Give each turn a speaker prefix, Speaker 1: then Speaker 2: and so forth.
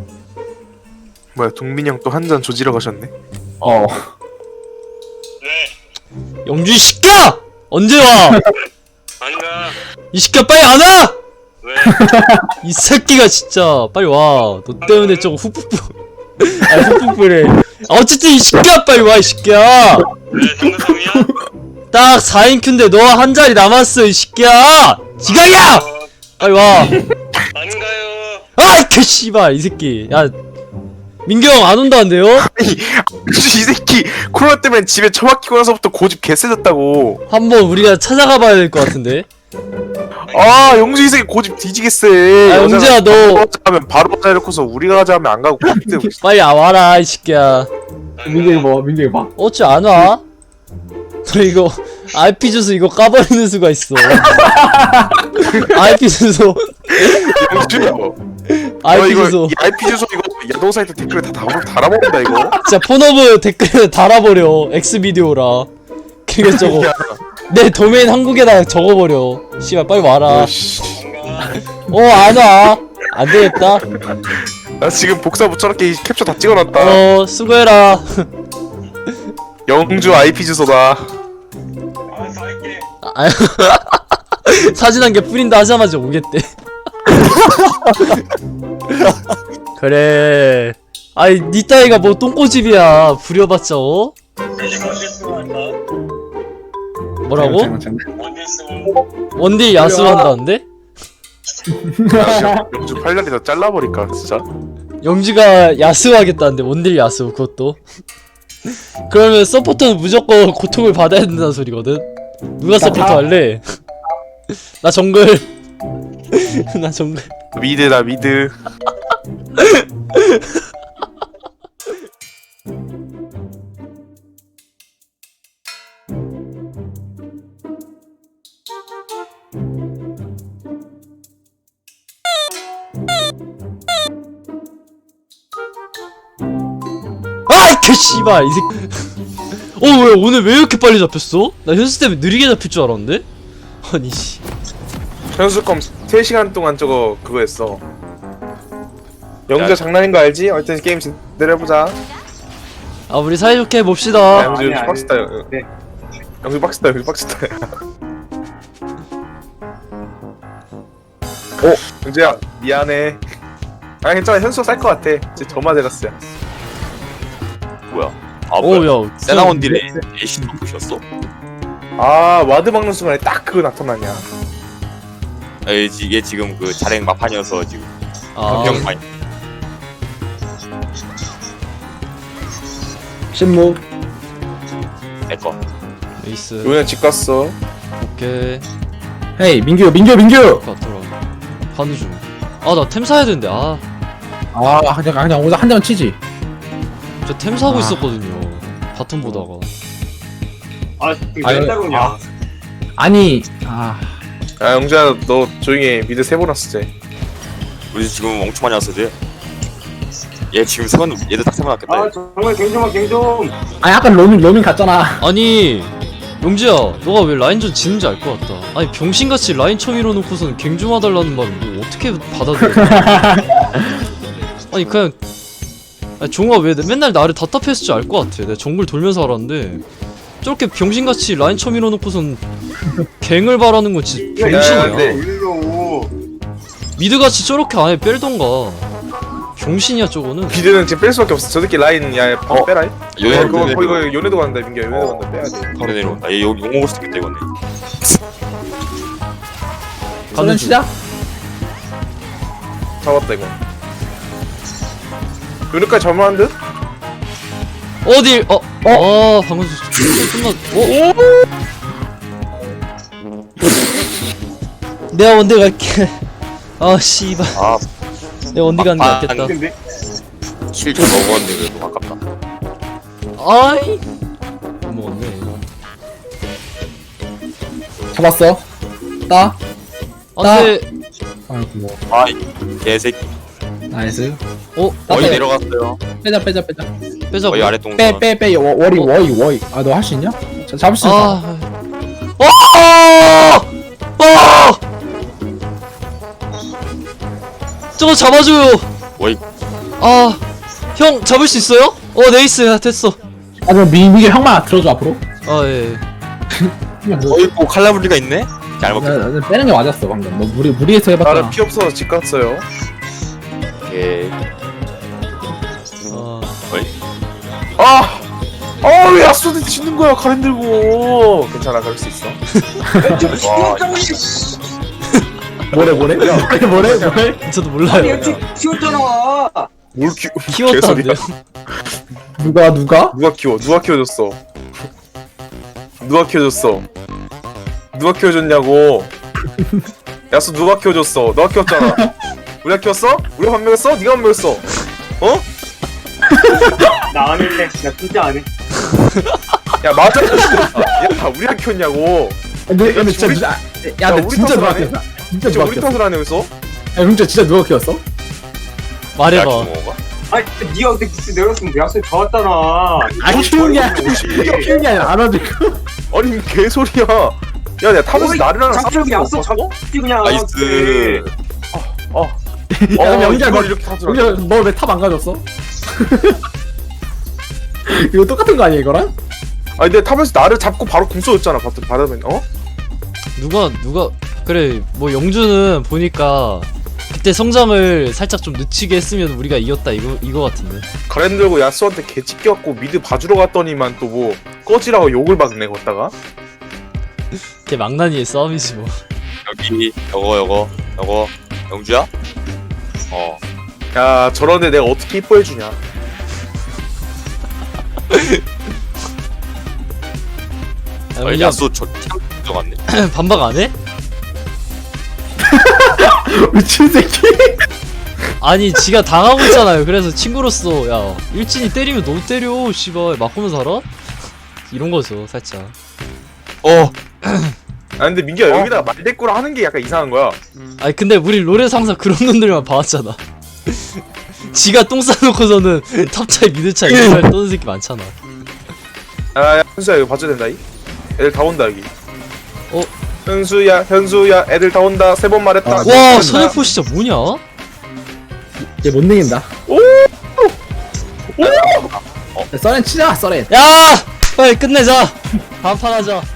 Speaker 1: 뭐야 동민이 형 또 한 잔 조지러 가셨네.
Speaker 2: 어.
Speaker 3: 영주 이 새끼야! 언제 와?
Speaker 4: 안 가.
Speaker 3: 이 새끼야 빨리 안 와!
Speaker 4: 왜?
Speaker 3: 이 새끼가 진짜 빨리 와. 너 때문에 저거 훅훅 아 훅훅불해. 어쨌든 이 새끼야 빨리 와 이 새끼야.
Speaker 4: 왜 상대성이야?
Speaker 3: 딱 4인 큐인데 너 한 자리 남았어 이 새끼야. 지각이야! 빨리 와.
Speaker 4: 안 가요.
Speaker 3: 아이 그 씨발 이 새끼. 야 민규 형 안 온다는데요?
Speaker 1: 이 새끼 코로나 때문에 집에 처박히고 나서부터 고집 개세졌다고.
Speaker 3: 한번 우리가 찾아가 봐야 될 것 같은데.
Speaker 1: 아 영주 이 새끼 고집 뒤지겠어.
Speaker 3: 아, 영주야, 너-
Speaker 1: 하면 바로 가자 이렇고서 우리가 가자 하면 안 가고 고집 때문에.
Speaker 3: 빨리 와라 이 새끼야.
Speaker 2: 민경이 봐, 민경이 봐.
Speaker 3: 어찌 안 와? 너 이거 IP 주소 이거 까버리는 수가 있어. IP 주소
Speaker 1: 영주
Speaker 3: IP
Speaker 1: 이거
Speaker 3: 주소
Speaker 1: 이 IP 주소 이거 야동 사이트 댓글에 다 달아먹는다 이거.
Speaker 3: 진짜 폰허브 댓글에 달아버려. 엑스비디오라. 그리고 저거 내 도메인 한국에다 적어버려. 씨발 빨리 와라.
Speaker 1: 어씨.
Speaker 3: 안 와. 안 되겠다.
Speaker 1: 나 지금 복사 붙여놓게 캡처 다 찍어놨다.
Speaker 3: 수고해라.
Speaker 1: 영주 IP 주소다.
Speaker 4: 알았어 할게.
Speaker 3: 아, 사진 한 개 뿌린다 하자마자 오겠대. 그래. 아이 니 따위가 뭐 똥꼬집이야. 부려봤자 어?
Speaker 4: 이제 언제 쓰고 한다?
Speaker 3: 뭐라고?
Speaker 4: 언제 쓰고?
Speaker 3: 원딜 야수한다는데?
Speaker 1: 영주 팔다리 다 잘라버릴까 진짜.
Speaker 3: 영지가 야수하겠다는데 원딜 야수 그것도. 그러면 서포터는 무조건 고통을 받아야 된다는 소리거든. 누가 서포터 할래? 나 정글. 나 정글.
Speaker 1: 미드다 미드.
Speaker 3: 아이 개 씨발 이 새끼. 왜 오늘 왜 이렇게 빨리 잡혔어? 나 현수 때문에 느리게 잡힐 줄 알았는데? 아니 씨.
Speaker 1: 현수검 3시간 동안 저거 그거 했어. 영주가 장난인 거 알지? 어쨌든 게임 제대로 해보자.
Speaker 3: 아 우리 사이좋게
Speaker 1: 야,
Speaker 3: 해봅시다.
Speaker 1: 영주
Speaker 2: 아니,
Speaker 1: 영주
Speaker 2: 아니.
Speaker 1: 빡시다.
Speaker 2: 네.
Speaker 1: 영주 빡시다. 영주 빡시다. 영주야 미안해. 아 괜찮아. 현수가 쌀 것 같아. 이제 저마 데라스야.
Speaker 5: 뭐야? 아 뭐야?
Speaker 3: 오야
Speaker 5: 세나원 딜에 에이신 바꾸셨어?
Speaker 1: 아 와드 막는 순간에 딱 그거 나타나냐.
Speaker 5: 얘 지금 그 자랭 마판이어서 지금
Speaker 3: 아
Speaker 5: 병 많이.
Speaker 2: 신무.
Speaker 5: 내꺼.
Speaker 3: 에이스.
Speaker 1: 요네 집 갔어.
Speaker 3: 오케이.
Speaker 2: 헤이, 민규.
Speaker 3: 같더라. 하는 중. 아 나 템 사야 되는데
Speaker 2: 그냥 오자 한 대만 치지.
Speaker 3: 저 템 사고
Speaker 2: 아.
Speaker 3: 있었거든요. 바텀 보다가.
Speaker 4: 아
Speaker 2: 아유,
Speaker 4: 왜 따로냐?
Speaker 2: 아니,
Speaker 1: 야 영주야 너 조용히 해. 미드 3번 왔어 쟤.
Speaker 5: 우리 지금 엄청 많이 왔어 쟤. 얘 지금 세번 얘들 다 세번 왔겠다.
Speaker 4: 아 정말 갱좀.
Speaker 2: 아까 로밍 갔잖아.
Speaker 3: 아니 용지야 너가 왜 라인전 지는지 알 것 같다. 아니 병신같이 라인 처음 밀어놓고서는 갱 좀 와달라는 말을 뭐 어떻게 받아들여. 아니 그냥 아니, 종아 왜 맨날 나를 답답했을 줄 알 것 같아. 내가 정글 돌면서 알았는데 저렇게 병신같이 라인 처음 밀어놓고선 갱을 바라는 건 진짜 병신이야.
Speaker 1: 네.
Speaker 4: 일로.
Speaker 3: 미드같이 저렇게 안에 뺄던가. 병신이야 저거는.
Speaker 1: 미드는 지금 뺄 수밖에 없어. 저 새끼 라인 야 빼라.
Speaker 5: 요네
Speaker 1: 이거 요네도 간다 민규야. 요네도 간다. 빼야 돼.
Speaker 5: 바로 내려온다. 얘 여기 용 먹을 수도 있겠다 이거네.
Speaker 2: 저는 시작.
Speaker 1: 잡았다 이거. 요네까지 잡을만한 듯?
Speaker 3: 어딜 방금 끝났. 내가 원딜 갈게. 아 씨발.
Speaker 5: 아
Speaker 3: 내가 원딜 가는 게 낫겠다.
Speaker 4: 근데
Speaker 5: 실좀 먹었는데 그래도 아깝다.
Speaker 3: 아이 못 먹었네.
Speaker 2: 잡았어. 따.
Speaker 3: 안돼.
Speaker 2: 아이고, 뭐.
Speaker 5: 아이 개새끼.
Speaker 2: 나이스.
Speaker 5: 거의 내려갔어요.
Speaker 2: 빼자.
Speaker 3: 빼자고.
Speaker 5: 거의 아래 동선.
Speaker 2: 빼. 워리. 너 할 수 있냐? 잡을 수 있어.
Speaker 3: 저거 잡아줘요.
Speaker 5: 거의
Speaker 3: 아, 형 잡을 수 있어요? 네이스 됐어.
Speaker 2: 아 그럼 미게 형만 들어줘 앞으로.
Speaker 3: 아 예.
Speaker 2: 형만 들어줘.
Speaker 5: 어이구 칼라브리가 있네? 잘 먹겠다.
Speaker 2: 나 빼는 게 맞았어 방금. 너 무리해서 해봤잖아.
Speaker 1: 나는 피 없어서 집 갔어요.
Speaker 5: 오케이.
Speaker 3: 아,
Speaker 1: 왜 야수한테 치는 거야 가렌 들고. 괜찮아 그럴 수 있어. 와,
Speaker 2: 뭐래?
Speaker 3: 저도 몰라요.
Speaker 4: 키웠잖아.
Speaker 1: 뭘
Speaker 3: 키웠다는데요?
Speaker 2: 누가?
Speaker 1: 누가 키워줬어? 누가 키워줬냐고. 야수 누가 키워줬어? 너가 키웠잖아. 우리가 키웠어? 우리가 밥 먹였어? 네가 밥 먹였어? 어?
Speaker 4: 나 안 할래. 나 진짜 안 해.
Speaker 1: 야 맞아. 야 우리가 키웠냐고.
Speaker 2: 근데 진짜
Speaker 1: 우리-
Speaker 2: 누가?
Speaker 1: 야,
Speaker 2: 야, 근데
Speaker 1: 우리
Speaker 2: 진짜
Speaker 1: 탓을
Speaker 2: 누가
Speaker 1: 안 해?
Speaker 2: 키웠어? 진짜
Speaker 1: 진짜
Speaker 2: 누가
Speaker 1: 우리
Speaker 2: 키웠어?
Speaker 1: 탓을 하네 여기서.
Speaker 2: 야 그럼 진짜 누가 키웠어?
Speaker 3: 말해봐.
Speaker 5: 야키모가?
Speaker 4: 아니 니가 그때 기스 내렸으면 야수 더 왔잖아.
Speaker 2: 아 키운 게 아니라 알아주고.
Speaker 1: 아니 개소리야. 야 내가 타면서
Speaker 4: 어이,
Speaker 1: 나르랑
Speaker 4: 잡초기
Speaker 1: 싸우는
Speaker 4: 야수
Speaker 1: 거 봤어?
Speaker 4: 잡지 그냥.
Speaker 5: 나이스.
Speaker 2: 야 그럼 영자
Speaker 1: 이걸 이렇게 타더라.
Speaker 2: 너왜 탑 안 가졌어? 이거 똑같은 거 아니야 이거랑?
Speaker 1: 아니 내가 타면서 나를 잡고 바로 궁 쏘였잖아. 받으면
Speaker 3: 누가 그래 뭐 영주는 보니까 그때 성장을 살짝 좀 늦추게 했으면 우리가 이겼다 이거 같은데.
Speaker 1: 가렌 들고 야수한테 개 찢겨갖고 미드 봐주러 갔더니만 또 뭐 꺼지라고 욕을 박네 걷다가.
Speaker 3: 걔 망나니의 싸움이지 뭐.
Speaker 5: 여기 요거 영주야?
Speaker 1: 야 저런데 내가 어떻게 이뻐해주냐.
Speaker 3: 아,
Speaker 5: 어,
Speaker 3: 그냥
Speaker 5: 야수 저참 들어갔네.
Speaker 3: 반박 안 해?
Speaker 2: 미친 새끼.
Speaker 3: 아니 지가 당하고 있잖아요. 그래서 친구로서 야 일진이 때리면 너 때려 씨발 맞고면 살아? 이런 거죠 살짝.
Speaker 1: 아 근데 민기야 여기다가 말대꾸를 하는 게 약간 이상한 거야.
Speaker 3: 아니 근데 우리 롤에서 항상 그런 놈들만 봐왔잖아. 지가 똥 싸놓고서는 탑차이 미드차이 이런 말 떠는 새끼 많잖아.
Speaker 1: 야 현수야 이거 봐줘야 된다 이. 애들 다 온다 여기.
Speaker 3: 어?
Speaker 1: 현수야 애들 다 온다. 3번 말했다.
Speaker 2: 아,
Speaker 3: 와 선회포 진짜 뭐냐?
Speaker 2: 얘 못 내긴다.
Speaker 1: 오!
Speaker 2: 썰렌 치자 썰렌.
Speaker 3: 야 빨리 끝내자. 다음 판 하자.